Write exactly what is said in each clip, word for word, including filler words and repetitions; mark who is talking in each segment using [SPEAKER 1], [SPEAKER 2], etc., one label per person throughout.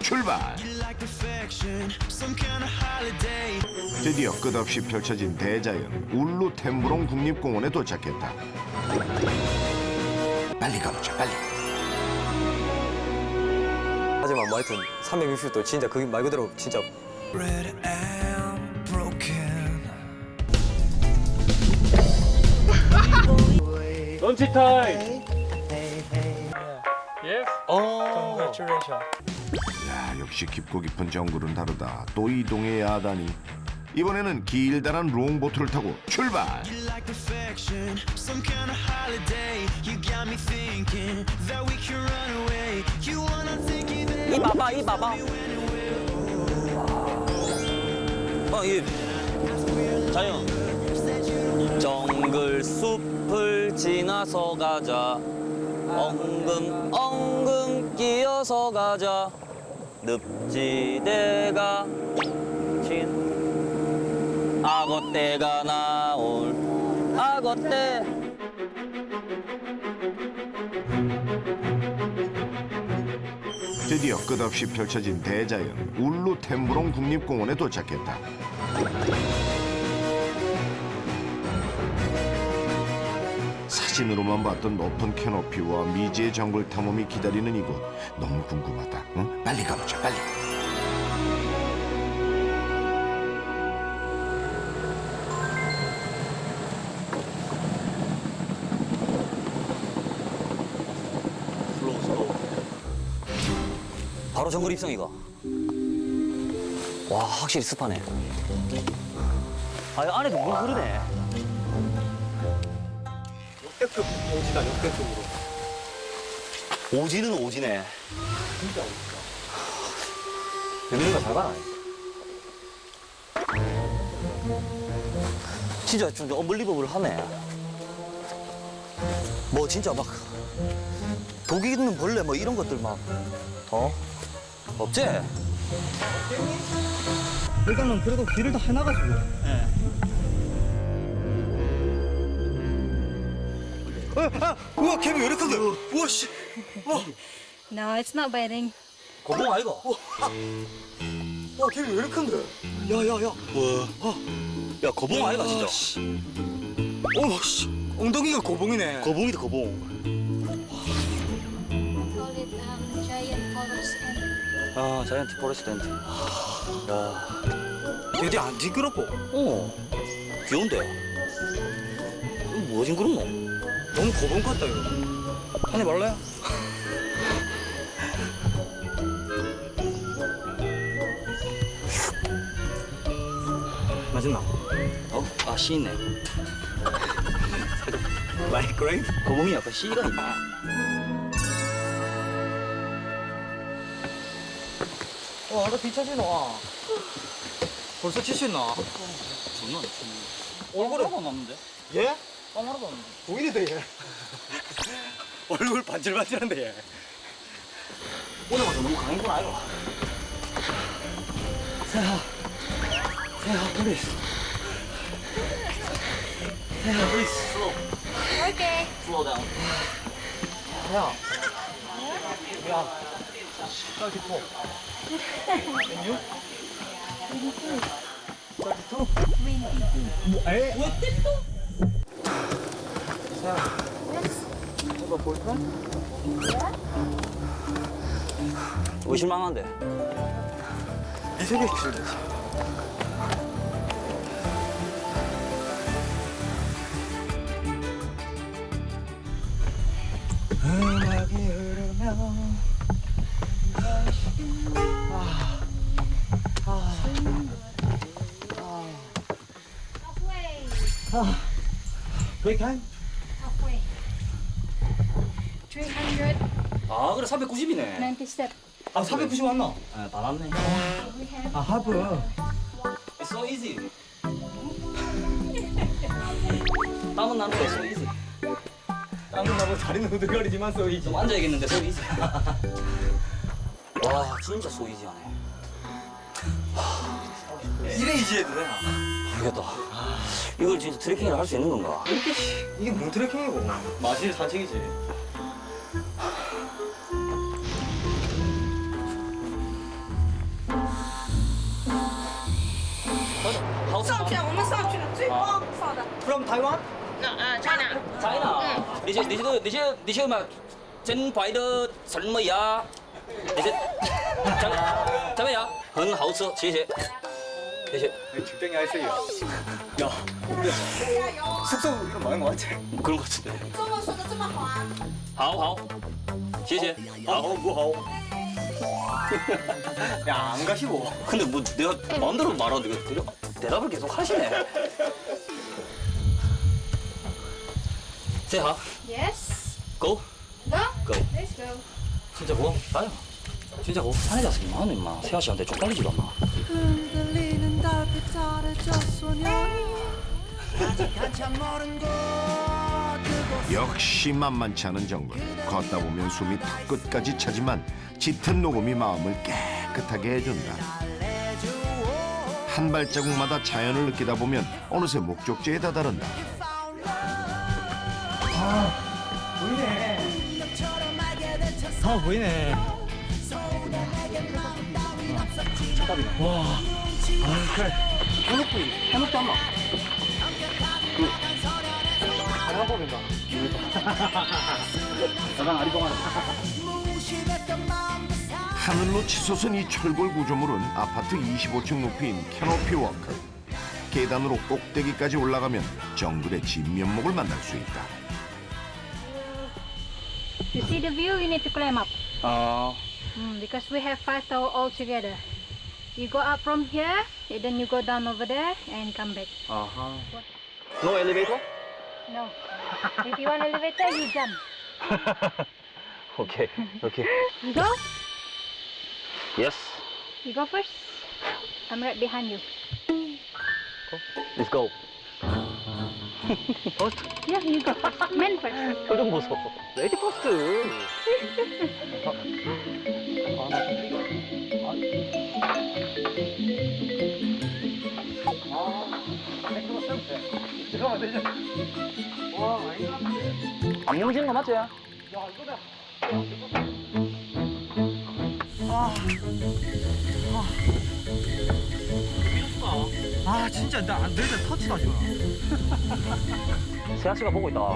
[SPEAKER 1] 출발. 드디어 끝없이 펼쳐진 대자연 울루 템부롱 국립공원에 도착했다. 빨리 가보자, 빨리.
[SPEAKER 2] 하지만 뭐 하여튼 삼백육십 도 진짜 그게 말 그대로 진짜
[SPEAKER 3] 런치 타임. Yes.
[SPEAKER 2] 어.
[SPEAKER 3] Congratulations.
[SPEAKER 1] 야, 역시 깊고 깊은 정글은 다르다. 또 이동의 야단이. 이번에는 길다란 롱보트를 타고 출발.
[SPEAKER 2] 이 봐봐 이 봐봐 어이 자연 정글 숲을 지나서 가자 엉금 엉금 끼어서 가자 늪지대가 친 악어떼가 나올 악어떼
[SPEAKER 1] 드디어 끝없이 펼쳐진 대자연 울루 템부롱 국립공원에 도착했다. 사진으로만 봤던 높은 캐노피와 미지의 정글 탐험이 기다리는 이곳 너무 궁금하다. 응? 빨리 가보자, 빨리.
[SPEAKER 2] 슬로우 슬로우 바로 정글 입성이가 와 확실히 습하네 아 안에도 물 흐르네
[SPEAKER 3] 역대급 오지다 역대급으로.
[SPEAKER 2] 오지는 오지네
[SPEAKER 3] 진짜 오지다.
[SPEAKER 2] 얘네가 잘 가나 진짜 좀 언블리버블 하네 뭐 진짜 막 독이 있는 벌레 뭐 이런 것들 막 어? 없지?
[SPEAKER 3] 일단은 그래도 길을 다 해놔가지고. 예. 아, 우와 개미 왜 이렇게 큰데? 우와 씨. 우와.
[SPEAKER 4] No, it's not biting.
[SPEAKER 2] 거봉 아이가?
[SPEAKER 3] 와 개미 왜 이렇게 큰데? 야야야.
[SPEAKER 2] 와. 야 거봉 아이가 진짜
[SPEAKER 3] 씨. 어 씨. 엉덩이가 고봉이네.
[SPEAKER 2] 거봉이다 거봉
[SPEAKER 4] Call it um, giant forest ant.
[SPEAKER 2] 아 자이언트 포레스트 앤트 야
[SPEAKER 3] 얘들 안 징그럽고.
[SPEAKER 2] 어 귀여운데 이거 뭐가 징그럽노?
[SPEAKER 3] 너무 고봉 같다 이거.
[SPEAKER 2] 한입 말래?
[SPEAKER 3] 맛있나?
[SPEAKER 2] 어? 아 씨 있네
[SPEAKER 3] 마이크레이브?
[SPEAKER 2] 거봉이 약간 씨가 있네
[SPEAKER 3] 어, 아까 뒤차지나. 벌써 치시나?
[SPEAKER 2] 장난 아니지
[SPEAKER 3] 얼굴에
[SPEAKER 2] 하나도 안 남는데?
[SPEAKER 3] 예?
[SPEAKER 2] 땀 하나도 안 남는데
[SPEAKER 3] 보이는데 얘. 얼굴 반질반질한데 얘.
[SPEAKER 2] 오늘 와서 너무 강한 건 아이가
[SPEAKER 3] 세하. 세하 플리즈. 세하 플리즈.
[SPEAKER 2] 슬로우
[SPEAKER 4] Okay.
[SPEAKER 2] 슬로우 다운
[SPEAKER 3] 세하. 미안. 딸기포. 메뉴? 딸기토? 뭐, 에? 세하. 이거 볼까?
[SPEAKER 2] 의실망한데
[SPEAKER 3] 이 세계 기술이지. 음악이 흐르면 아, 아,
[SPEAKER 4] Halfway.
[SPEAKER 3] 아. 브레이크 타임?
[SPEAKER 4] Halfway. three hundred
[SPEAKER 2] 아 그래 삼백구십이네
[SPEAKER 4] ninety step.
[SPEAKER 3] 아, 사백구십 왔나?
[SPEAKER 2] 아 받았네
[SPEAKER 4] We have
[SPEAKER 3] 아, 하프.
[SPEAKER 2] It's so easy 땀은 나는데 so easy
[SPEAKER 3] 땀은 나고 다리는 후들거리지만 쏘이지.
[SPEAKER 2] 좀 앉아야겠는데 so easy 와 진짜 so easy하네
[SPEAKER 3] 이래 이지해도 되나?
[SPEAKER 2] 모르겠다 이걸 진짜 트레킹을 할 수 있는 건가?
[SPEAKER 3] 이게 뭔 트레킹이고. 마실 산책이지.
[SPEAKER 5] 上去，我们上去了，最高上的。
[SPEAKER 3] from Taiwan?
[SPEAKER 5] Uh, China.
[SPEAKER 6] China. Đi xe đi xe đi xe đi xe mà chân phải的什么呀？你是怎怎么样？很好吃，谢谢，谢谢。
[SPEAKER 3] 적당히 하세요. 야, 우리 숙소 이거 많은 것 같아.
[SPEAKER 6] 그런 것 같은데.
[SPEAKER 5] 中文说的这么好啊？
[SPEAKER 6] 好好，谢谢。
[SPEAKER 3] 아, 뭐 하오? 야, 안 가시고.
[SPEAKER 6] 근데 뭐 내가 마음대로 말하는데 이거 대답, 대답을 계속 하시네. 세하,
[SPEAKER 4] Yes.
[SPEAKER 6] go,
[SPEAKER 4] Go.
[SPEAKER 6] go.
[SPEAKER 4] Let's go.
[SPEAKER 6] 진짜 고 가요. 진짜 고 산에 가서 이만하네 임마. 세하 씨한테 쪽팔리지도 않나.
[SPEAKER 7] 흔들리는 달빛 아래 저 소년이 아직 한참 멀은 곳 그곳
[SPEAKER 1] 역시 만만치 않은 정글. 걷다 보면 숨이 턱 끝까지 차지만 짙은 녹음이 마음을 깨끗하게 해준다. 한 발자국마다 자연을 느끼다 보면 어느새 목적지에 다다른다.
[SPEAKER 3] 아, 보이네. 와. 아, 그래.
[SPEAKER 6] 해먹고 해먹도 안 나.
[SPEAKER 3] 한국인가?
[SPEAKER 6] 약간 아리송하네.
[SPEAKER 1] 하늘로 치솟은 이 철골 구조물은 아파트 이십오 층 높이인 캐노피 워크. 계단으로 꼭대기까지 올라가면 정글의 진면목을 만날 수 있다.
[SPEAKER 4] You see the view, you need to climb up.
[SPEAKER 6] 아,
[SPEAKER 4] Mm, because we have five tower all together. You go up from here, and then you go down over there and come back.
[SPEAKER 6] 아하. No elevator?
[SPEAKER 4] No. If you want elevator, you jump.
[SPEAKER 6] 오케이, 오케이.
[SPEAKER 4] You go.
[SPEAKER 6] Yes.
[SPEAKER 4] You go first. I'm right behind you.
[SPEAKER 6] Let's go.
[SPEAKER 4] Yeah, you go first. Men first.
[SPEAKER 6] 표정 보소. 레디 퍼스트.
[SPEAKER 3] 잠깐만, 되죠? 와, 아닌가?
[SPEAKER 6] 안 넘어지는 거 맞지?
[SPEAKER 3] 야, 이거다. 아, 진짜 나안 되겠다. 터치도 하지 마.
[SPEAKER 6] 세아 씨가 보고 있다.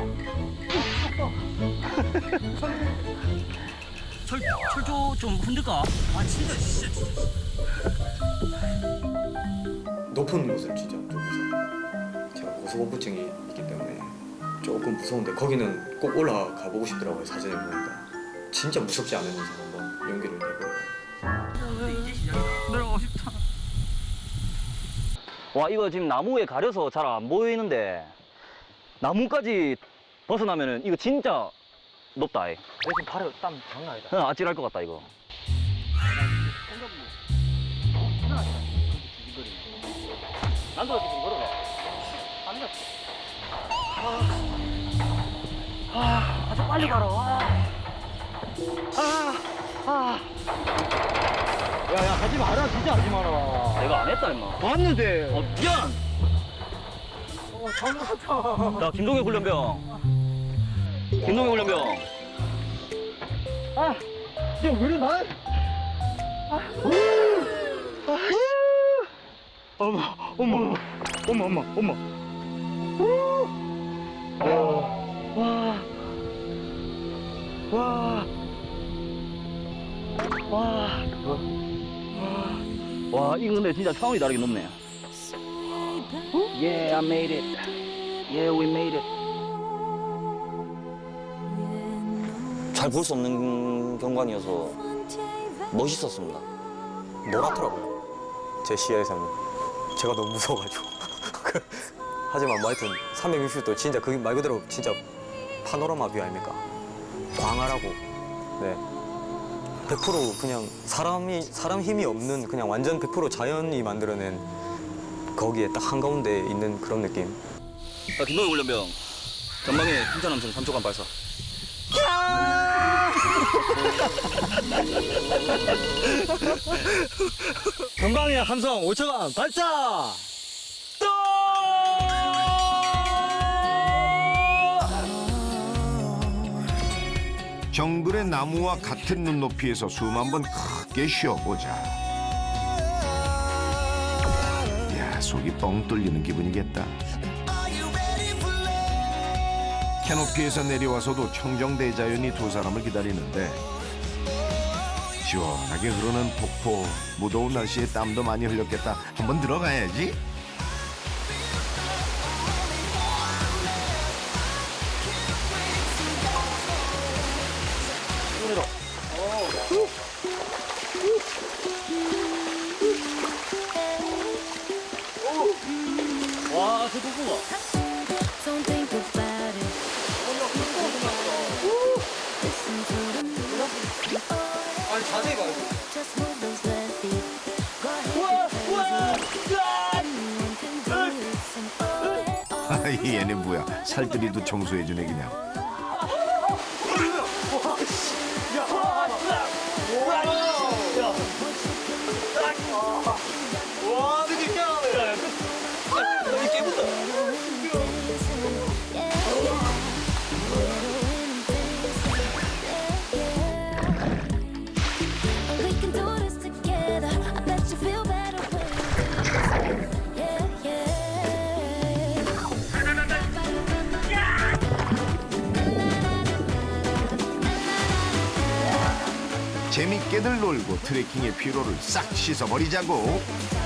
[SPEAKER 6] 철 철조 좀 흔들까?
[SPEAKER 3] 아, 진짜, 진짜, 진짜. 높은 곳을 진짜 좀 무서워. 제가 고소공포증이 있기 때문에 조금 무서운데 거기는 꼭 올라가 보고 싶더라고요. 사진을 보니까. 진짜 무섭지 않은 이상 한번 용기를 내보려고.
[SPEAKER 6] 내려가고 싶다. 와, 이거 지금 나무에 가려서 잘 안 보이는데 나무까지 벗어나면은 이거 진짜 높다. 이.
[SPEAKER 3] 내 지금 발에 땀 장난 아니다.
[SPEAKER 6] 응, 아찔할 것 같다 이거. 난도 이렇게 좀 걸어라. 안 갔어. 아, 아, 아주 빨리 가라. 아, 아.
[SPEAKER 3] 야, 야, 하지 마라. 진짜 하지 마라.
[SPEAKER 6] 내가 안 했다 임마.
[SPEAKER 3] 왔는데.
[SPEAKER 6] 어, 미안.
[SPEAKER 3] 어, 잘못했다.
[SPEAKER 6] 자, 김동현 훈련병. 김동현 훈련병.
[SPEAKER 3] 아, 지금 왜 이래, 난? 어머, 어머, 어머, 어머, 어머. 와, 와, 와,
[SPEAKER 6] 와, 이거 근데 진짜 차원이 다르게 높네. Yeah, I made it. Yeah, we made it. 잘 볼 수 없는 경관이어서 멋있었습니다.
[SPEAKER 3] 노랗더라고요. 제 시야에서는 제가 너무 무서워가지고. 하지만 뭐 하여튼 삼백육십 도 진짜 그게 말 그대로 진짜 파노라마 뷰 아닙니까? 광활하고, 네. 백 퍼센트 그냥 사람이 사람 힘이 없는 그냥 완전 백 퍼센트 자연이 만들어낸 거기에 딱 한가운데 있는 그런 느낌.
[SPEAKER 6] 자, 김동현 훈련병. 전방에 풍차 남성 삼 초간 발사.
[SPEAKER 3] 전방에 함성 오 초간 발사!
[SPEAKER 1] 정글의 나무와 같은 눈높이에서 숨 한번 크게 쉬어보자. 야, 속이 뻥 뚫리는 기분이겠다. 캐노피에서 내려와서도 청정대자연이 두 사람을 기다리는데 시원하게 흐르는 폭포, 무더운 날씨에 땀도 많이 흘렸겠다. 한번 들어가야지.
[SPEAKER 6] 와, 저 폭포가.
[SPEAKER 8] Don't think about it. Listen to the music.
[SPEAKER 3] 아니 자세히 봐.
[SPEAKER 8] Just move those left feet. Go ahead, go crazy. Anyone can do this. And oh, yeah, oh.
[SPEAKER 1] 아, 얘네 뭐야? 살들이도 청소해주네 그냥.
[SPEAKER 3] 와 되게 깨끗하네. 여기 깨끗다.
[SPEAKER 8] We can do this together. I bet you feel better when you yeah, yeah.
[SPEAKER 1] 재밌게들 놀고 트레킹의 피로를 싹 씻어버리자고.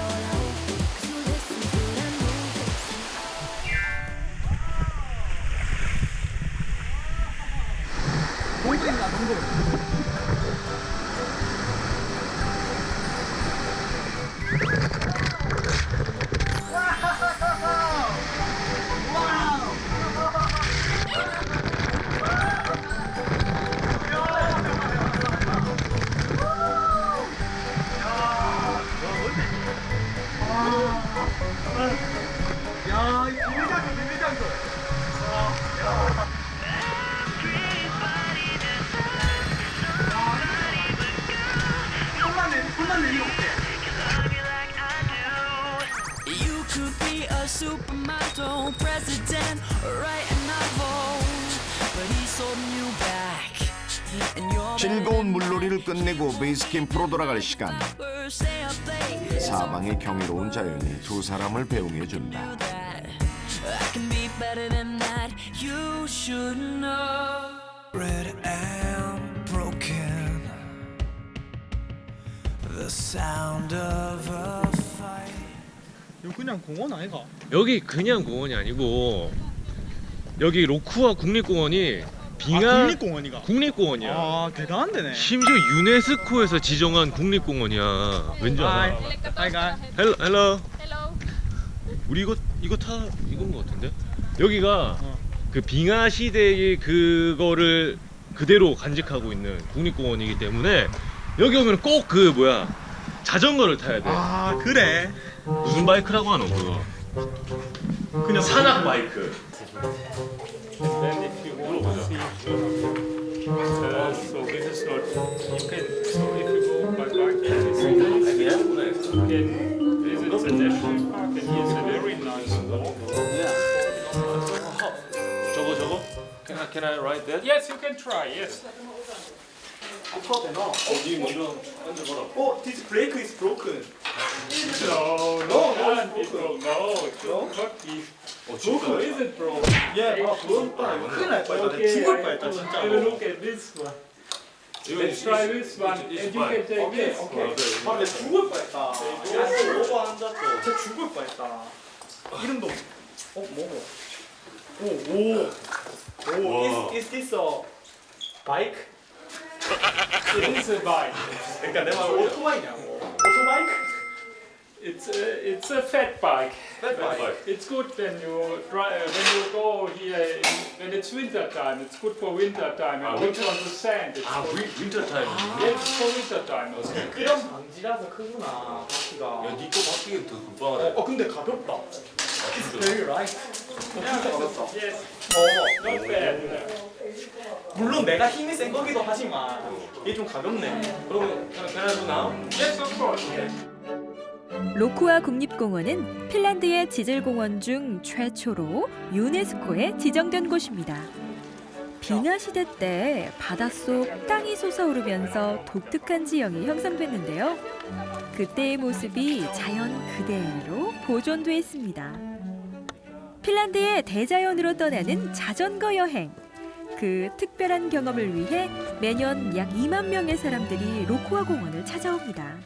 [SPEAKER 7] You could be a supermodel president or write a novel, but he's holding you back. And you're
[SPEAKER 1] 즐거운 물놀이를 끝내고 베이스 캠프로 돌아갈 시간.
[SPEAKER 7] better stay up late.
[SPEAKER 1] 사방의 경이로운 자연이 두 사람을 배웅해준다.
[SPEAKER 7] That I can be better than that. You should know. Red and broken. The sound of a fight.
[SPEAKER 2] 이거 그냥 공원 아이가?
[SPEAKER 9] 여기 그냥 공원이 아니고 여기 로쿠아 국립공원이 빙하
[SPEAKER 2] 아, 국립공원이가?
[SPEAKER 9] 국립공원이야.
[SPEAKER 2] 아 대단한 데네.
[SPEAKER 9] 심지어 유네스코에서 지정한 국립공원이야. 왠지 알아?
[SPEAKER 2] 하이가.
[SPEAKER 9] 헬로 헬로. 우리 이거 이거 타 이건 것 같은데? 여기가
[SPEAKER 2] 어.
[SPEAKER 9] 그 빙하 시대의 그거를 그대로 간직하고 있는 국립공원이기 때문에 여기 오면 꼭 그 뭐야 자전거를 타야 돼.
[SPEAKER 2] 아 그래.
[SPEAKER 9] 무슨 바이크라고 하노 그거? 그냥 산악 바이크.
[SPEAKER 10] Then if you want to see, uh, so this is not, you can, so if you go by bike here, this is nice. You can visit the national park and here's a very nice walk.
[SPEAKER 9] 저거 저거? Can I can I ride that?
[SPEAKER 10] Yes, you can try, yes.
[SPEAKER 9] 어디 먼저 앉아봐라.
[SPEAKER 2] 어, this brake is broken.
[SPEAKER 10] No, no, can't be broke. No, it should not be. How is it broke?
[SPEAKER 2] 예, 아 그건 또 아니고 큰일 날 뻔했다.
[SPEAKER 10] Okay,
[SPEAKER 2] 죽을
[SPEAKER 10] I
[SPEAKER 2] 뻔했다
[SPEAKER 10] will
[SPEAKER 2] 진짜.
[SPEAKER 10] have a look at this one. Let's try this one, and you can take this.
[SPEAKER 2] 아, 내 죽을 뻔했다. 야, 오버 앉았어. 진짜 죽을 뻔했다. 이름도 어 뭐고? 오, 오, 오. Is is this a bike?
[SPEAKER 10] It is a bike.
[SPEAKER 2] 그러니까 내 말 오토바이냐고. 오토바이크?
[SPEAKER 10] It's a, it's a fat bike.
[SPEAKER 2] Fat bike.
[SPEAKER 10] It's good when you drive, when you go here in, when it's winter time. It's good for winter time and also on the sand. It's
[SPEAKER 9] 아
[SPEAKER 10] good.
[SPEAKER 9] 윈터 타임.
[SPEAKER 10] Yes, for winter time. Also.
[SPEAKER 2] 그런 방지라서 크구나. 바퀴가.
[SPEAKER 9] 니거 바뀌기 더 급하네.
[SPEAKER 2] 어 근데 가볍다. It's very light. 어, 진짜 가볍다.
[SPEAKER 10] Yes,
[SPEAKER 2] 어.
[SPEAKER 10] not bad.
[SPEAKER 2] 물론 내가 힘이 센 거기도 하지만 이게 좀 가볍네.
[SPEAKER 9] 그러면 그냥 나?
[SPEAKER 10] Yes, of course. Yes.
[SPEAKER 11] 로쿠아 국립공원은 핀란드의 지질공원 중 최초로 유네스코에 지정된 곳입니다. 빙하 시대 때 바닷속 땅이 솟아오르면서 독특한 지형이 형성됐는데요. 그때의 모습이 자연 그대로 보존됐습니다. 핀란드의 대자연으로 떠나는 자전거 여행. 그 특별한 경험을 위해 매년 약 이만 명의 사람들이 로쿠아 공원을 찾아옵니다.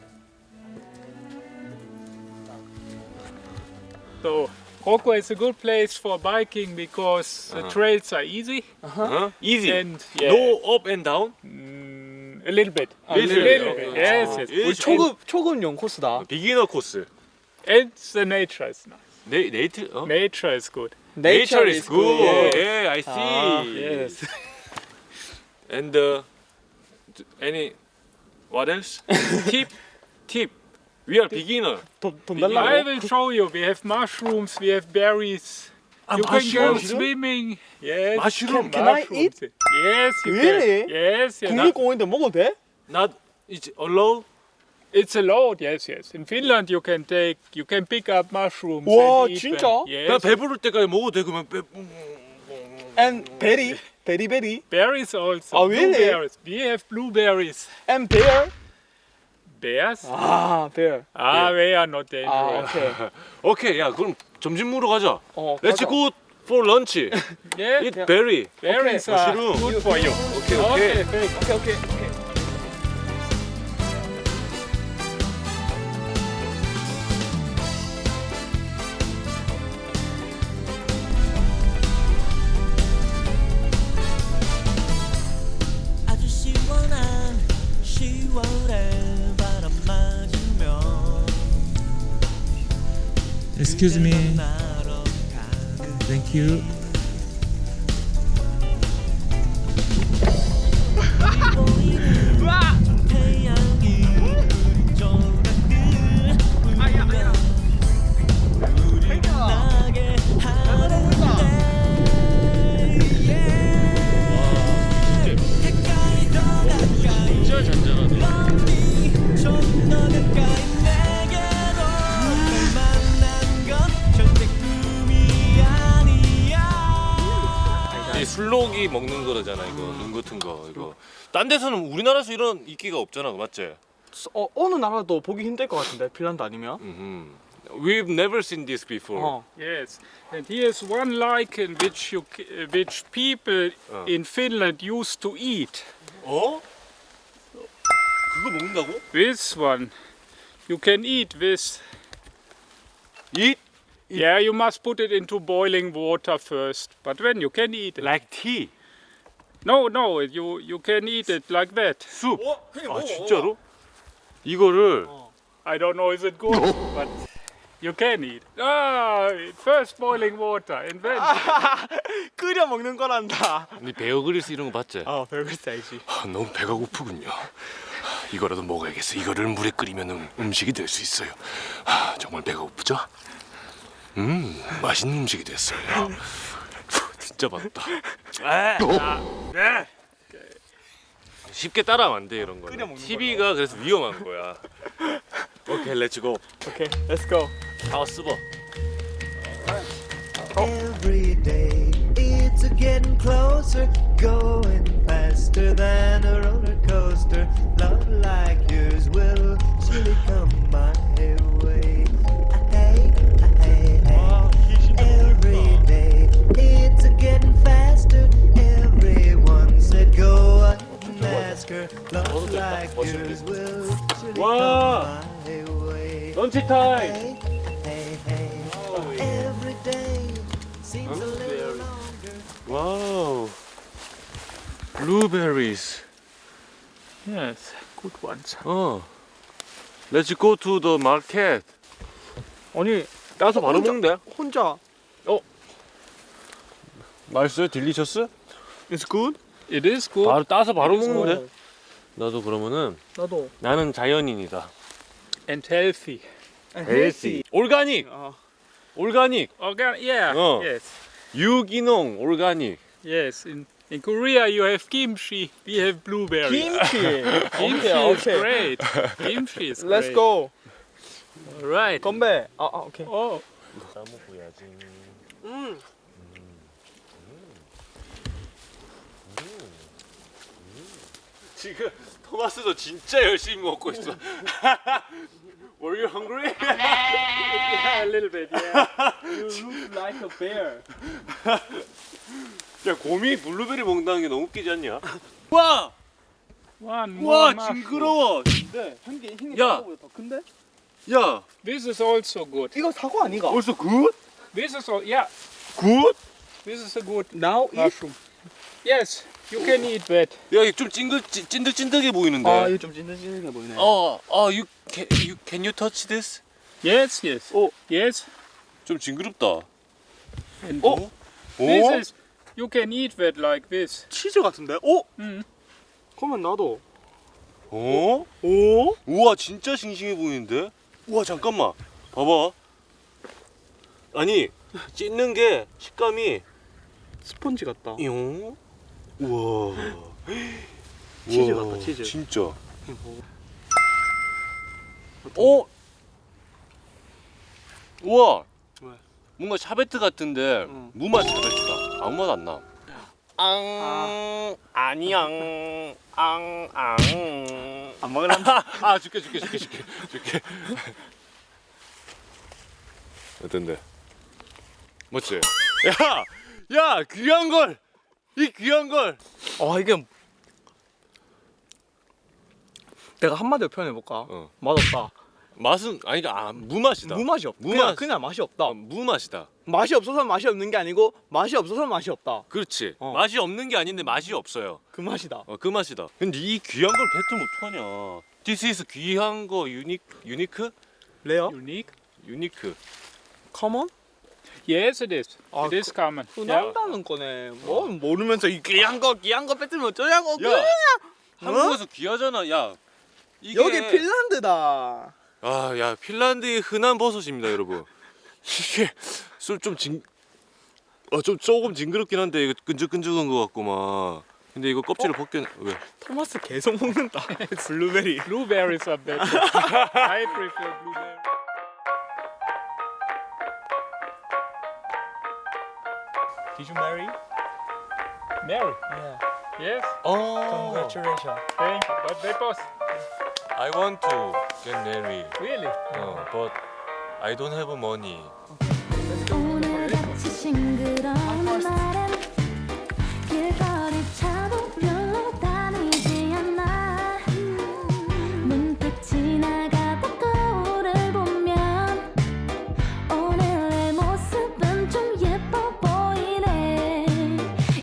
[SPEAKER 10] So Rocco is a good place for biking because the trails are easy.
[SPEAKER 9] 어? Easy.
[SPEAKER 10] And yeah,
[SPEAKER 9] No up and down.
[SPEAKER 10] mm, a little bit.
[SPEAKER 9] 아,
[SPEAKER 10] A little
[SPEAKER 9] little
[SPEAKER 10] bit.
[SPEAKER 9] bit.
[SPEAKER 10] Yes,
[SPEAKER 9] 아,
[SPEAKER 10] yes.
[SPEAKER 9] 일-
[SPEAKER 2] 초급 초급용 코스다.
[SPEAKER 9] 비기너 코스.
[SPEAKER 10] And the nature is nice.
[SPEAKER 9] 네 네이트. 어?
[SPEAKER 10] Nature is good.
[SPEAKER 9] Nature is good.
[SPEAKER 10] Yes.
[SPEAKER 9] Yeah, I see.
[SPEAKER 2] 아,
[SPEAKER 10] Yes.
[SPEAKER 9] And uh, any what else? tip, tip. We are beginner.
[SPEAKER 2] 돈, 돈
[SPEAKER 10] I
[SPEAKER 2] 달라고?
[SPEAKER 10] will show you. We have mushrooms. We have berries.
[SPEAKER 9] 아,
[SPEAKER 10] you can go
[SPEAKER 9] mushroom?
[SPEAKER 10] swimming. Yes.
[SPEAKER 9] Mushroom?
[SPEAKER 2] Can I
[SPEAKER 10] mushrooms. Yes, you
[SPEAKER 2] Really?
[SPEAKER 10] can. Yes, yes.
[SPEAKER 2] 국립공원인데 먹어도 돼?
[SPEAKER 9] Not it's allowed.
[SPEAKER 10] It's allowed. Yes, yes. In Finland, you can take, you can pick up mushrooms.
[SPEAKER 2] 와,
[SPEAKER 10] and eat
[SPEAKER 2] 진짜?
[SPEAKER 10] them.
[SPEAKER 9] 그냥
[SPEAKER 10] Yes.
[SPEAKER 9] 배부를 때까지 먹어도 돼 그러면 배.
[SPEAKER 2] And 베리? 베리베리?
[SPEAKER 10] Berries also.
[SPEAKER 2] Oh, really?
[SPEAKER 10] Blueberries. We have blueberries.
[SPEAKER 2] And bear?
[SPEAKER 10] Bears?
[SPEAKER 2] 아, bear.
[SPEAKER 10] Ah, they are not
[SPEAKER 2] 아,
[SPEAKER 10] dangerous.
[SPEAKER 2] 오케이.
[SPEAKER 9] 오케이, 야 그럼 점심 먹으러 가자.
[SPEAKER 2] 어,
[SPEAKER 9] Let's
[SPEAKER 2] 가자.
[SPEAKER 9] go for lunch.
[SPEAKER 10] Yeah.
[SPEAKER 9] Eat berry.
[SPEAKER 10] Berries
[SPEAKER 2] Okay.
[SPEAKER 10] are
[SPEAKER 9] Mushroom.
[SPEAKER 10] good for you.
[SPEAKER 9] 오케이 오케이.
[SPEAKER 10] Okay, great.
[SPEAKER 2] 오케이, 오케이, 오케이.
[SPEAKER 7] 아주 시원한 시월의 바람 맞으며
[SPEAKER 12] Excuse me. Thank you.
[SPEAKER 7] 태양이 조각을 울며 우리 나게 하는데 가까이 더 가까이
[SPEAKER 9] 진짜 잔잔하네.
[SPEAKER 7] 좀 더 가까이 내게로 널 만난 건 절대 꿈이 아니야.
[SPEAKER 9] 이 술록이 먹는 거잖아 이거 눈 같은 거 이거. 딴 데서는 우리나라에서 이런 인기가 없잖아, 맞지?
[SPEAKER 2] 어, 어느 나라도 보기 힘들 것 같은데 핀란드 아니면?
[SPEAKER 9] 음. We've never seen this before.
[SPEAKER 2] 어.
[SPEAKER 10] Yes, and here's one lichen which you, c- uh, which people
[SPEAKER 9] 어.
[SPEAKER 10] in Finland used to eat.
[SPEAKER 9] 어? 그거 먹는다고?
[SPEAKER 10] This one, you can eat this.
[SPEAKER 9] Eat
[SPEAKER 10] Yeah, you must put it into boiling water first, but then you can eat it.
[SPEAKER 9] like tea.
[SPEAKER 10] No, no, you you can eat it like that.
[SPEAKER 9] 숲. 아 진짜로? 이거를
[SPEAKER 10] I don't know is it good, but you can eat. Ah, first boiling water, and then
[SPEAKER 2] 끓여 먹는 거란다.
[SPEAKER 9] 니 베어 그릴스 이런 거 봤지?
[SPEAKER 2] 아, 별글쎄 알지.
[SPEAKER 9] 아, 너무 배가 고프군요. 이거라도 먹어야겠어. 이거를 물에 끓이면 음, 음식이 될 수 있어요. 아, 정말 배가 고프죠? 음, 맛있는 음식이 됐어요. 진짜 맛있다. 아, 네. 쉽게 따라하면 안 돼 이런 거는. 티비가 그래서 위험한 거야. 오케이, 렛츠고.
[SPEAKER 2] 오케이, let's go.
[SPEAKER 9] 다 쓰버.
[SPEAKER 7] Every day it's a getting closer, going faster than a roller coaster. Love like yours will surely come my way. Hey, hey, hey. Every day it's a getting faster. Everyone said go up and ask her. Love like yours will surely
[SPEAKER 9] 와,
[SPEAKER 7] come my way.
[SPEAKER 9] 런치 타임.
[SPEAKER 7] Hey, hey, hey. Every day seems a little longer.
[SPEAKER 9] 와우. Blueberries.
[SPEAKER 10] yes, good ones.
[SPEAKER 9] 어. Let's go to the market.
[SPEAKER 2] 아니,
[SPEAKER 9] 따서 바로
[SPEAKER 2] 혼자-
[SPEAKER 9] 먹는데?
[SPEAKER 2] 혼자.
[SPEAKER 9] 맛있어요? 딜리셔스?
[SPEAKER 2] It's good?
[SPEAKER 10] It is good.
[SPEAKER 9] 바로 따서 바로
[SPEAKER 2] It is
[SPEAKER 9] 먹는데?
[SPEAKER 2] good.
[SPEAKER 9] 나도 그러면은
[SPEAKER 2] 나도.
[SPEAKER 9] 나는 자연인이다.
[SPEAKER 10] And healthy.
[SPEAKER 2] 헬시.
[SPEAKER 9] 올가닉.
[SPEAKER 2] 어.
[SPEAKER 9] 올가닉.
[SPEAKER 10] Organic, yeah,
[SPEAKER 9] Oh.
[SPEAKER 10] yes,
[SPEAKER 9] 유기농 올가닉.
[SPEAKER 10] yes. In in Korea you have kimchi, we have blueberries.
[SPEAKER 2] 김치.
[SPEAKER 10] Kimchi
[SPEAKER 2] 오케이,
[SPEAKER 10] is
[SPEAKER 2] 오케이.
[SPEAKER 10] great. Kimchi is
[SPEAKER 2] Let's
[SPEAKER 10] great.
[SPEAKER 2] go.
[SPEAKER 10] All right.
[SPEAKER 2] 건배. 아, 아, 오케이.
[SPEAKER 10] Oh,
[SPEAKER 9] 따먹어야지.
[SPEAKER 2] 음.
[SPEAKER 9] 지금 토마스도 진짜 열심히 먹고 있어. Were you hungry?
[SPEAKER 10] Yeah, a little bit. Yeah. You look like a bear.
[SPEAKER 9] 야 곰이 블루베리 먹는다는 게 너무 웃기지 않냐? 와!
[SPEAKER 10] One
[SPEAKER 9] 와
[SPEAKER 10] more mushroom.
[SPEAKER 9] 징그러워.
[SPEAKER 2] 네, 한개 흰게
[SPEAKER 9] 야.
[SPEAKER 2] 사과보다 더 큰데?
[SPEAKER 9] 야
[SPEAKER 10] This is also good.
[SPEAKER 2] 이거 사과 아니가?
[SPEAKER 9] 벌써 굿?
[SPEAKER 10] This is all. Yeah.
[SPEAKER 9] 굿?
[SPEAKER 10] This is a good
[SPEAKER 2] Now eat?
[SPEAKER 10] mushroom. Yes, you can eat that.
[SPEAKER 9] 야 이게 좀 찡글 찐- 찐득찐득해 보이는데.
[SPEAKER 2] 아, 이거 좀 찐득찐득해 보이네.
[SPEAKER 9] 어, 어, you can you can you touch this?
[SPEAKER 10] Yes, yes.
[SPEAKER 2] Oh.
[SPEAKER 10] Yes.
[SPEAKER 9] 좀 징그럽다.
[SPEAKER 10] And
[SPEAKER 9] 어?
[SPEAKER 10] this
[SPEAKER 9] 오?
[SPEAKER 10] is. You can eat that like this.
[SPEAKER 2] 치즈 같은데? 오?
[SPEAKER 10] 음.
[SPEAKER 2] 그러면 나도.
[SPEAKER 9] 어?
[SPEAKER 2] 오?
[SPEAKER 9] 우와 진짜 싱싱해 보이는데? 우와 잠깐만 봐봐. 아니 찢는 게 식감이
[SPEAKER 2] 스펀지 같다.
[SPEAKER 9] 용. 우와.
[SPEAKER 2] 치즈
[SPEAKER 9] 우와,
[SPEAKER 2] 같다, 치즈.
[SPEAKER 9] 진짜. 어? 우와.
[SPEAKER 2] 왜?
[SPEAKER 9] 뭔가 샤베트 같은데
[SPEAKER 2] 응.
[SPEAKER 9] 무맛 샤베트다. 아무 맛 안 나. 앙 아니앙 앙앙
[SPEAKER 2] 안 먹으란다.
[SPEAKER 9] 아 줄게 줄게 줄게 줄게 줄게. 어떤데? 멋지? 야! 야 귀한 걸! 이 귀한 걸!
[SPEAKER 2] 아, 이게 내가 한마디로 표현해 볼까?
[SPEAKER 9] 어.
[SPEAKER 2] 맛없다.
[SPEAKER 9] 맛은 아니 아 무맛이다.
[SPEAKER 2] 무맛이 없다.
[SPEAKER 9] 무맛.
[SPEAKER 2] 그냥, 그냥 맛이 없다.
[SPEAKER 9] 어, 무맛이다.
[SPEAKER 2] 맛이 없어서 맛이 없는 게 아니고 맛이 없어서 맛이 없다.
[SPEAKER 9] 그렇지.
[SPEAKER 2] 어.
[SPEAKER 9] 맛이 없는 게 아닌데 맛이 없어요.
[SPEAKER 2] 그 맛이다.
[SPEAKER 9] 어, 그 맛이다. 근데 이 귀한 걸 뱉으면 어떡하냐. This is 귀한 거 유니 유니크?
[SPEAKER 2] 레어?
[SPEAKER 10] Unique.
[SPEAKER 9] 유니크.
[SPEAKER 2] 커먼?
[SPEAKER 10] Yes, it is.
[SPEAKER 2] 아,
[SPEAKER 10] it is common.
[SPEAKER 2] 그
[SPEAKER 10] Yeah.
[SPEAKER 2] 난다는 거네. 뭐 모르면서 이 귀한 거 귀한 거 뺏으면 어쩌냐고.
[SPEAKER 9] 야,
[SPEAKER 2] 그냥.
[SPEAKER 9] 한국에서 귀하잖아. 야, 이게
[SPEAKER 2] 여기 핀란드다.
[SPEAKER 9] 아, 야, 핀란드의 흔한 버섯입니다, 여러분. 이게 좀 징, 어, 좀 조금 징그럽긴 한데 이거 끈적끈적한 거 같구만. 근데 이거 껍질을 벗겨 왜?
[SPEAKER 2] 토마스 계속 먹는다. 블루베리.
[SPEAKER 10] Blueberries are better. I prefer blueberries.
[SPEAKER 2] Did you marry?
[SPEAKER 10] Mary.
[SPEAKER 2] Yeah.
[SPEAKER 10] Yes.
[SPEAKER 9] 어.
[SPEAKER 2] Congratulations.
[SPEAKER 10] Thank you. But they both.
[SPEAKER 9] I want to get married.
[SPEAKER 10] Really?
[SPEAKER 9] 어, but I don't have money.
[SPEAKER 8] 오늘같이 싱그러운 날엔 길거리 차도